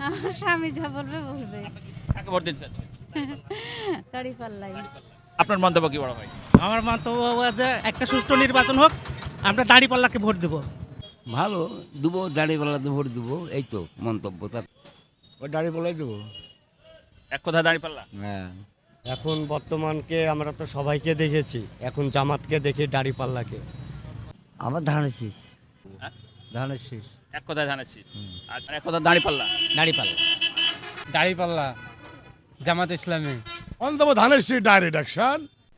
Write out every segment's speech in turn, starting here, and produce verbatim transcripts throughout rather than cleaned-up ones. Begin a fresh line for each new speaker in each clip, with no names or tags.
আমার স্বামী যা বলবে বলবে।
কাকে ভোট দিতে চাচ্ছেন?
দাড়ি পাল্লাই।
আপনার মন্তব্য কি বড় ভাই?
আমার মন্তব্য যে একটা সুষ্ঠু নির্বাচন হোক, আমরা দাঁড়িপাল্লাকে ভোট দেবো।
ভালো দেবো, দাঁড়িপাল্লাতে ভোট দেবো, এই তো মন্তব্য তার।
ওই দাড়ি বলাই দেবো।
এক কথায় দাঁড়িপাল্লা।
হ্যাঁ,
এখন বর্তমানকে আমরা তো সবাইকে দেখেছি, এখন জামাতকে দেখি দাড়িপাল্লাকে।
আমার ধানের শীষ।
হ্যাঁ?
ধানের শীষ।
এক কথায় ধানের শীষ। আচ্ছা, এক কথায় দাঁড়িপাল্লা।
দাড়িপাল্লা।
দাঁড়িপাল্লা, জামাত ইসলামী।
অন্তত ধানের শীষ ডাইরেক্ট অ্যাকশন।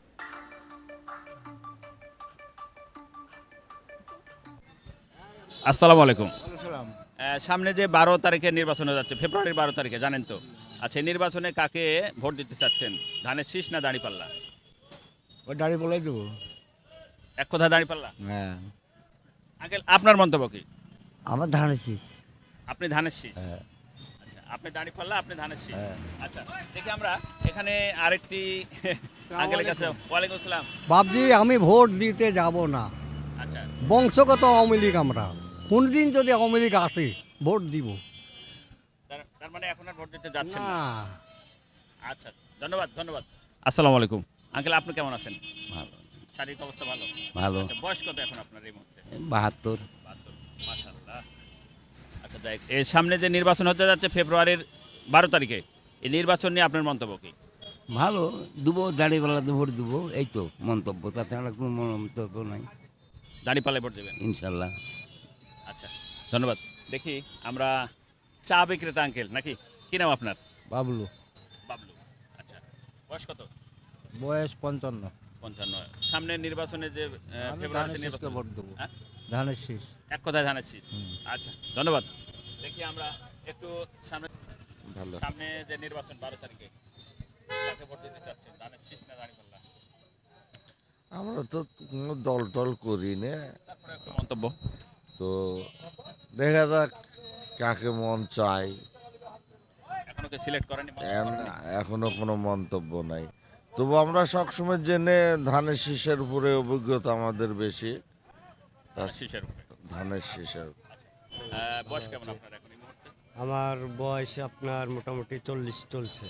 আসসালামু আলাইকুম। আহ, সামনে যে বারো তারিখে নির্বাচন হয়ে যাচ্ছে, ফেব্রুয়ারির বারো তারিখে, জানেন তো? আচ্ছা, এই নির্বাচনে কাকে ভোট দিতে চাচ্ছেন? ধানের শীষ না দাঁড়িপাল্লা?
ওই দাড়ি বলাই দেবো।
এক কথায় দাঁড়িপাল্লা।
হ্যাঁ,
আঙ্কেল, আপনার মন্তব্য কি?
আমার ধানের শীষ।
আপনি ধানের শীষ।
হ্যাঁ।
আচ্ছা, আপনি দাঁড়িপাল্লা, আপনি ধানের শীষ।
হ্যাঁ।
আচ্ছা, দেখি আমরা এখানে আরেকটি আঙ্কেলের কাছে। ওয়ালাইকুম আসসালাম।
বাবজি, আমি ভোট দিতে যাব না।
আচ্ছা,
বংশগত আওয়ামী লীগ আমরা। কোনদিন যদি আওয়ামী লীগ আসে ভোট দিব
তার- তার মানে এখন আর ভোট দিতে যাচ্ছেন না?
না।
আচ্ছা, ধন্যবাদ ধন্যবাদ। আসসালামু আলাইকুম। আঙ্কেল, আপনি কেমন আছেন?
ভালো
শারীরিক অবস্থা ভালো?
ভালো।
আচ্ছা, বয়স কত এখন আপনার এই মুহূর্তে?
বাহাত্তর।
বাহাত্তর। মাশাআল্লাহ। আচ্ছা, দেখ, এর সামনে যে নির্বাচন হতে যাচ্ছে ফেব্রুয়ারির বারো তারিখে, এই নির্বাচন নিয়ে আপনার মন্তব্য কি?
ভালো দেবো, দাঁড়িপাল্লাতে ভোট দেবো, এই তো মন্তব্য, তাছাড়া কোনো মন্তব্য নাই।
দাঁড়িপাল্লায় ভোট দেবেন?
ইনশাল্লাহ।
আচ্ছা, ধন্যবাদ। দেখি আমরা চা বিক্রেতা আঙ্কেল নাকি? কি নাম আপনার?
বাবলু।
বাবলু। আচ্ছা, বয়স কত?
বয়স পঞ্চান্ন।
পঞ্চান্ন। সামনের নির্বাচনে যে আহ,
আমি
ফেব্রুয়ারিতে
ধানের শীষকে
নির্বাচন,
ভোট দেবো।
হ্যাঁ?
ধানের শীষ।
এক কথায় ধানের শীষ। আচ্ছা, ধন্যবাদ। দেখি আমরা একটু সামনে
ভালো।
সামনে যে নির্বাচন বারো তারিখে, কাকে ভোট দিতে চাচ্ছেন? ধানের শীষ না দাঁড়িপাল্লা?
আমরা তো কোনো দল টল করি না,
তারপরে একটু মন্তব্য।
তো দেখা যাক কাকে মন চাই।
এখনো কে সিলেক্ট করেনি? মন্তব্য
এন-
করেনি?
এখনো কোনো মন্তব্য নাই, তবু আমরা সবসময় জেনে ধানের শীষের উপরে অভিজ্ঞতা আমাদের বেশি।
ধানের শীষের উপরে।
ধানের শীষের
আহ, বয়স কেমন আপনার এখন এই মুহূর্তে?
আমার বয়স আপনার মোটামুটি চল্লিশ চলছে।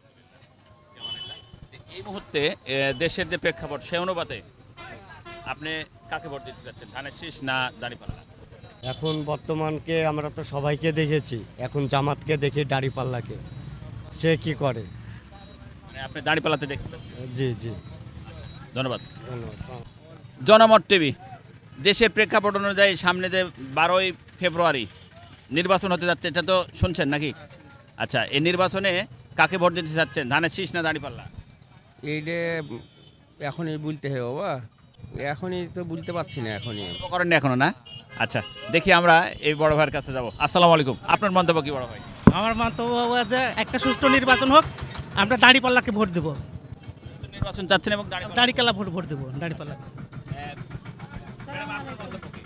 এই মুহূর্তে আহ, দেশের যে প্রেক্ষাপট, সে অনুপাতে আপনি কাকে ভোট দিতে চাচ্ছেন? ধানের শীষ না দাঁড়িপাল্লা?
এখন বর্তমানকে আমরা তো সবাইকে দেখেছি, এখন জামাতকে দেখি দাড়িপাল্লাকে। সে কি করে।
মানে আপনি দাঁড়িপাল্লাতে দেখতে চাচ্ছেন?
জি জি,
ধন্যবাদ।
ধন্যবাদ।
জনমত টিভি। দেশের প্রেক্ষাপট অনুযায়ী সামনে যে বারোই ফেব্রুয়ারি নির্বাচন হতে যাচ্ছে, এটা তো শুনছেন নাকি? আচ্ছা, এই নির্বাচনে কাকে ভোট দিতে চাচ্ছেন? ধানের শীষ না দাঁড়িপাল্লা?
এইটা এখনই বলতে হবে বাবা, এখনই তো বলতে পারছি না এখনই।
মন্তব্য করেননি এখনো না? আচ্ছা, দেখি আমরা এই বড় ভাইয়ের কাছে যাব। আসসালামু আলাইকুম। আপনার মন্তব্য কি বড় ভাই?
আমার মন্তব্য যে একটা সুষ্ঠু নির্বাচন হোক, আমরা দাঁড়িপাল্লাকে ভোট দেবো।
সুষ্ঠু নির্বাচন চাচ্ছেন এবং দাঁড়িপাল্লা?
দাঁড়িপাল্লা ভোট ভোট দেবো, দাঁড়িপাল্লা।
হ্যাঁ, ম্যাডাম, আপনার মন্তব্য কি?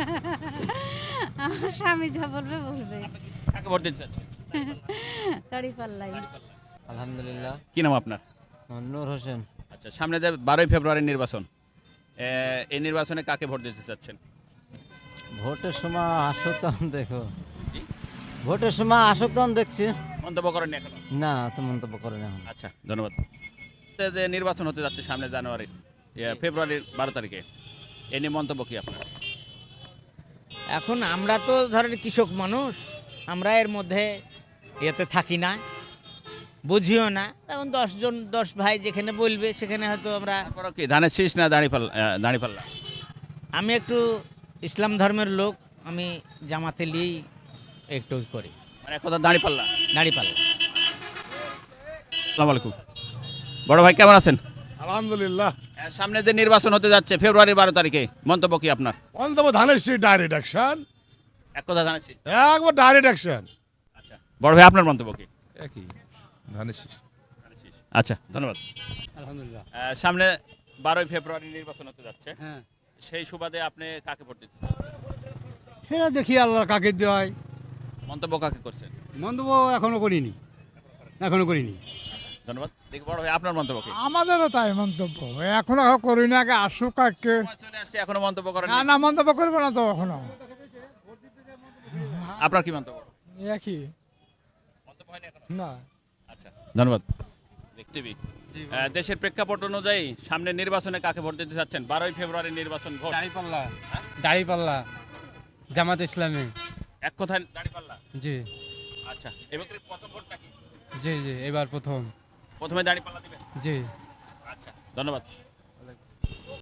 আমার স্বামী যা বলবে বলবে।
কাকে ভোট দিতে চাচ্ছেন?
দাড়ি পাল্লাই।
দাঁড়িপাল্লা।
আলহামদুলিল্লাহ।
কি নাম আপনার?
নূর হোসেন।
আচ্ছা, সামনে যে বারোই ফেব্রুয়ারির নির্বাচন, এ, এই নির্বাচনে কাকে ভোট দিতে চাচ্ছেন?
ভোটের সময় আসুক তখন দেখো।
জি?
ভোটের সময় আসুক তখন দেখছি।
মন্তব্য করেননি এখনো?
না, তো মন্তব্য করে না।
আচ্ছা, ধন্যবাদ। এই যে নির্বাচন হতে যাচ্ছে সামনে জানুয়ারির ইয়ে, ফেব্রুয়ারির বারো তারিখে, এ নিয়ে মন্তব্য কি আপনার?
এখন আমরা তো ধরেন কৃষক মানুষ, আমরা এর মধ্যে এতে থাকি না, বুঝিও না। এখন দশজন দশ ভাই যেখানে বলবে সেখানে হয়তো আমরা।
তারপরে কি ধানের শীষ না দাঁড়িপাল্লা? আহ, দাঁড়িপাল্লা?
আমি একটু ইসলাম ধর্মের লোক, আমি জামাতে নিয়েই একটু করি।
মানে এক কথা দাঁড়িপাল্লা।
দাঁড়িপাল্লা।
আসসালামু আলাইকুম। বড় ভাই, কেমন আছেন?
আলহামদুলিল্লাহ।
আহ, সামনে যে নির্বাচন হতে যাচ্ছে ফেব্রুয়ারির বারো তারিখে, মন্তব্য কি আপনার?
অন্তত ধানের শীষ ডাইরেক্ট অ্যাকশন।
এক কথা ধানের শীষ।
একবার ডাইরেক্ট অ্যাকশন।
আচ্ছা, বড় ভাই, আপনার মন্তব্য কি?
একই ধানের শীষ।
ধানের শীষ। আচ্ছা, ধন্যবাদ।
আলহামদুলিল্লাহ।
আহ, সামনে বারোই ফেব্রুয়ারি নির্বাচন হতে যাচ্ছে,
হ্যাঁ,
সেই সুবাদে আপনি কাকে ভোট দিতে চাচ্ছেন?
সেটা দেখি আল্লাহ কাকে দেওয়ায়।
মন্তব্য কাকে করছেন?
মন্তব্য এখনো করিনি, এখনো করিনি।
ধন্যবাদ। দেখি বড় ভাই, আপনার মন্তব্য কি?
আমাদেরও তাই মন্তব্য, এখনো করি না, আগে আসুক আগে।
সময় চলে আসছে, এখনো মন্তব্য করেন
না না, মন্তব্য করবো না তো এখনো।
আপনার কি মন্তব্য?
একই।
মন্তব্য হয়নি এখনো?
না
আচ্ছা ধন্যবাদ। টিভি দেশের প্রেক্ষাপট অনুযায়ী সামনে নির্বাচনে কাকে ভোট দিতে চাচ্ছেন? বারোই ফেব্রুয়ারি নির্বাচন ভোট।
দাড়িপাল্লা দাড়িপাল্লা জামাত ইসলামী
এক কথায় দাঁড়িপাল্লা।
জি
আচ্ছা এবার প্রথম ভোট নাকি?
জি জি এবার প্রথম
প্রথমে দাঁড়িপাল্লা দিবেন?
জি
আচ্ছা ধন্যবাদ।